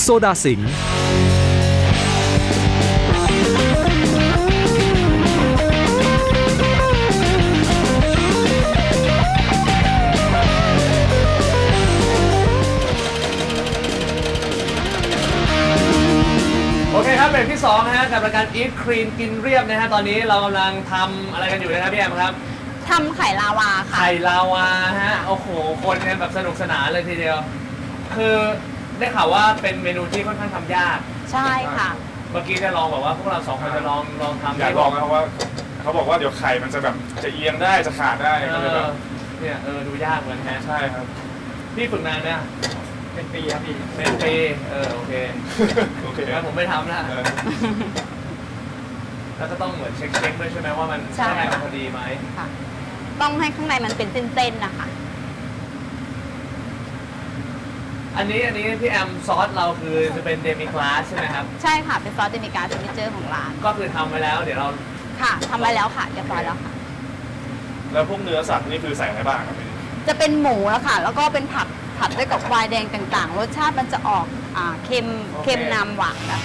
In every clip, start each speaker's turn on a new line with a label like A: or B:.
A: โซดาสิงห์
B: โอเคครับเบรกที่2นะฮะกับรายการ Eat Clean กินเรียบนะฮะตอนนี้เรากำลังทำอะไรกันอยู่นะครับพี่แอมครับ
C: ทำไข่ลาวาค่ะ
B: ไข่ลาวาฮะโอ้โหคนกันแบบสนุกสนานเลยทีเดียวคือได้ข่าวว่าเป็นเมนูที่ค่อนข้างทำยาก
C: ใช่ค่ะ
B: เมื่อกี้จะลองแบบว่าพวกเรา2คนจะลองทำ
D: อยากลองนะครับว่าเขาบอกว่าเดี๋ยวไข่มันจะแบบจะเอียงได้จะขาดได้ก็เลยแบบ
B: เนี่ยดูยากเหมือนแฮะ
D: ใช่ครับ
B: พี่ฝึกนานไหมเป็นปีครับพี่เป็นปีโอเค
D: โอเค
B: งั้นผมไม่ทำนะ
D: เออ
B: แล้วก็ต้องเหมือนเช็คด้วยใช่ไหมว่ามัน
C: ใช่
B: ข้างในมันพอดีไหม
C: ค่ะ ต้องให้ข้างในมันเป็นเส้นๆนะคะ
B: อันนี้พี่แอมซอสเราคือจะเป็นเดมิกลาสใช่ไหมครับ
C: ใช่ค่ะ เป็นซอสเดมิกาซิกเนเจอร์ของร้าน
B: ก็คือทำไว้แล้วเดี๋ยวเรา
C: ค่ะทำไว้แล้วค่ะเรียบร้อยแล้วค่ะ
D: แล้วพวกเนื้อสัตว์นี่คือใส่อะไรบ้างครับพี่
C: จะเป็นหมูแล้วค่ะ แล้วก็เป็นผัดด้วยกับไวน์แดงต่างๆ รสชาติมันจะออกเค็มนำหวานนะคะ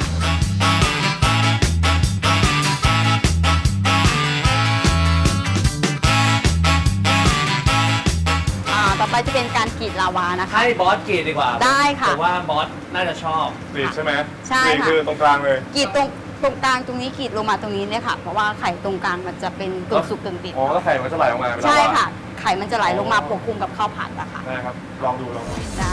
C: ต่อไปจะเป็นการกรีดลาวานะคะ
B: ให้บอสกรีดดีกว่า
C: ได้ค่ะ
B: ผมว่าบอสน่าจะชอบ
D: กรีดใช่ไหม
C: ใช่
D: กรีด
C: ค่ะ
D: คือตรงกลางเลย
C: กรีดตรงกลางตรงนี้กรีดลงมาตรงนี้เนี่ยค่ะ เพราะว่าไข่ตรงกลางมันจะเป็นกึ่งสุกกึ่งดิบ
D: อ๋อแล้วไข่มันจะไหลออกมาเป็นลาวา
C: ใช่ค่ะ ไข่มันจะไหลลงมาปกคลุมกับข้าวผัดอะค่ะ
D: ได้ครับลองดู
C: ได้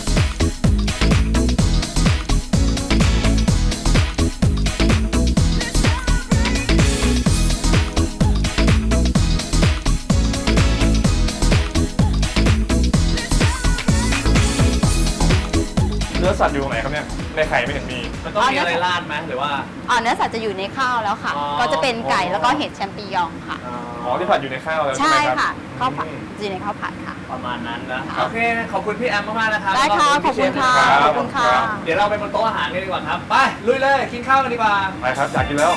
D: เนื้อสัตว์อยู่ตรงไหนครับเนี่ยในไข่ไม่เห็นมี
B: มันต้องมีอะไรราดไหมหรือว่า
C: เนื้อสัตว์จะอยู่ในข้าวแล้วค่ะ
B: อ๋อ
C: ก็จะเป็นไก่แล้วก็เห็ดแชมปิญองค่ะ
D: อ๋อที่ผัดอยู่ในข้าวแล้วใช่
C: ใช่
D: ไหมครับ
C: ค่ะ ข้าวผัดจะอยู่ในข้าวผัดค่ะ
B: ประมาณนั้นนะ
C: ค่ะ
B: โอเคขอบคุณพี่แอมมากๆนะครับ
C: ได้ค่ะ
B: แล้วก็
C: ขอบคุณค่ะ
B: พี่เชฟ
C: ขอบคุณค่ะ
B: เดี๋ยวเราไปบนโต๊ะอาหารกันดีกว่าครับไปลุยเลยกินข้าวกันดีกว่า
D: ไปครับอยากกินแล้ว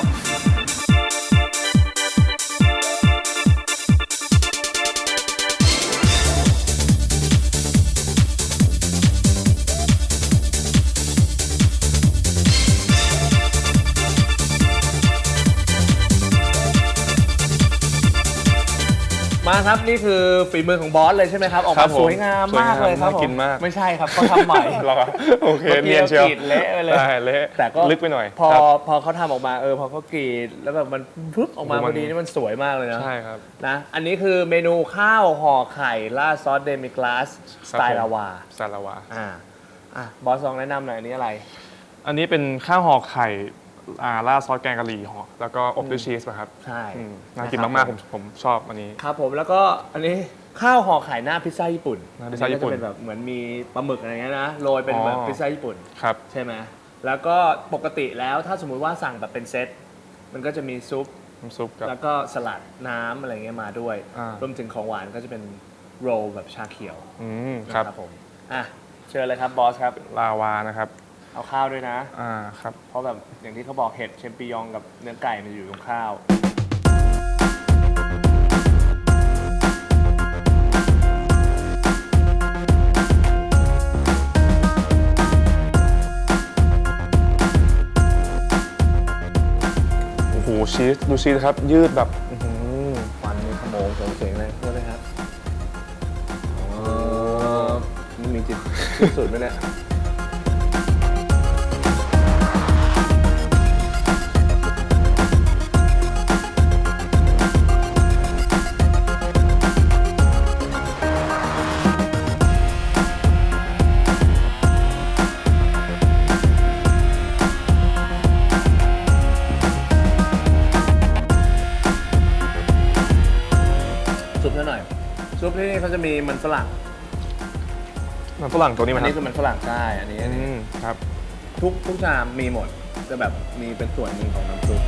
B: มาครับนี่คือฝีมือของบอสเลยใช่ไหมครับออก
D: ครั
B: มา
D: บผม
B: สวยงามมากเลยครับ
D: สวยงามน่ากินมาก
B: ไม่ใช่ครับเขาทำใหม่
D: เหรอโอเค
B: มื่อกี้
D: เนียนเชียว
B: รากรีดเละไปเลย
D: ได้เละ
B: แต่ก็
D: ลึกไปหน่อย
B: พอ
D: ครับ
B: พอเขาทำออกมาพอเขากรีดแล้วแบบมันปุ๊บออกมา
D: โอ้โห
B: พ
D: มัน
B: อดีนี่มันสวยมากเลยนะ
D: ใช่ครับ
B: นะอันนี้คือเมนูข้าวห่อไข่ราดซอสเดมิกลาสสไตล์ลาวา
D: สไตล์ลาวา
B: บอสลองแนะนำหน่อยอันนี้อะไร
D: อันนี้เป็นข้าวห่อไข่ราดซอสแกงกะหรี่ห่อแล้วก็อบด้วยชีสป่ะครับ
B: ใช่
D: น่ากินมากๆผมชอบอันนี้
B: ครับผมแล้วก็อันนี้ข้าวห่อไข่หน้าพิซซ่าญี่ปุ่น
D: หน้าพิซซ่าญี่ปุ่น
B: อัก็จะเป็นแบบเหมือนมีปลาหมึกอะไรเงี้ยนะโรยเป็นแบบ
D: อ๋อ
B: พิซซ่าญี่ปุ่น
D: ครับ
B: ใช่ไหมแล้วก็ปกติแล้วถ้าสมมุติว่าสั่งแบบเป็นเซตมันก็จะมีซุป
D: น้ำซุปกับ
B: แล้วก็สลัดน้ำอะไรเงี้ยมาด้วย
D: อ่าร
B: วมถึงของหวานก็จะเป็นโรลแบบชาเขียว
D: ครับ
B: นะผมเชิญเลยครับบอสครับ
D: ลาวานะครับ
B: เอาข้าวด้วยนะ
D: ครับ
B: เพราะแบบอย่างที่เขาบอกเห็ดเชมปิญองกับเนื้อไก่มันอยู่ตรงข้าว
D: โอ้โหชีสดูชีสครับยืดแบบอื้อหือ
B: ควันมีขโมงเสียงเลยใช่ไหมครับมันมีจิตสุดไหมเนี่ยซุปซะหน่อยซุปที่นี่เขาจะมีมันฝรั่ง
D: มันฝรั่งตัวนี้
B: อั
D: มัน น
B: นี้คือมันฝรั่งใช่อันนี้
D: ครับ
B: ทุกชามมีหมดจะแบบมีเป็นส่วนหนึ่งของน้ำซุป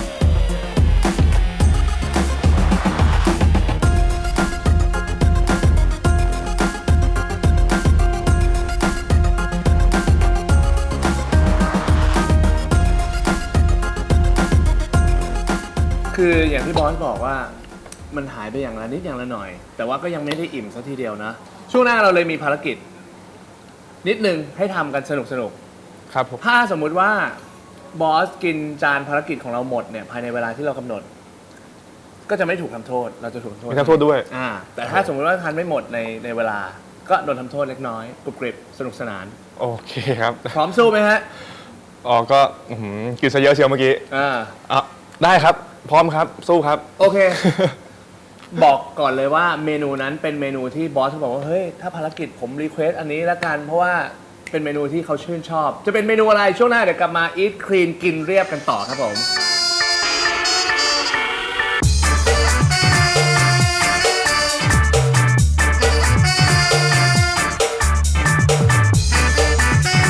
B: คืออย่างที่บอสบอกว่ามันหายไปอย่างละนิดอย่างละหน่อย แต่ว่าก็ยังไม่ได้อิ่มซะทีเดียวนะ ช่วงหน้าเราเลยมีภารกิจ นิดนึงให้ทำกันสนุก
D: ครับผม
B: ถ้าสมมุติว่าบอสกินจานภารกิจของเราหมดเนี่ยภายในเวลาที่เรากำหนด ก็จะไม่ถูกทำโทษเราจะถูกทำโทษ
D: มีทำโทษด้วย
B: แต่ถ้าสมมติว่าทานไม่หมดในเวลาก็โดนทำโทษเล็กน้อยกรุบกริบสนุกสนาน
D: โอเคครับ
B: พร้อมสู้ไหมฮะ
D: อ๋อก็อื้อหือกินซะเยอะเชียวเมื่อกี้
B: อ่า
D: อ่ะได้ครับ พร้อมครับ สู้ครับ
B: โอเค บอกก่อนเลยว่าเมนูนั้นเป็นเมนูที่บอสเขาบอกว่าเฮ้ยถ้าภารกิจผมรีเควสอันนี้ละกันเพราะว่าเป็นเมนูที่เขาชื่นชอบ จะเป็นเมนูอะไรช่วงหน้าเดี๋ยวกลับมา Eat Clean กินเรียบกันต่อครับผม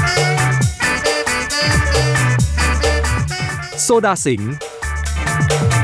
A: โซดาสิงห์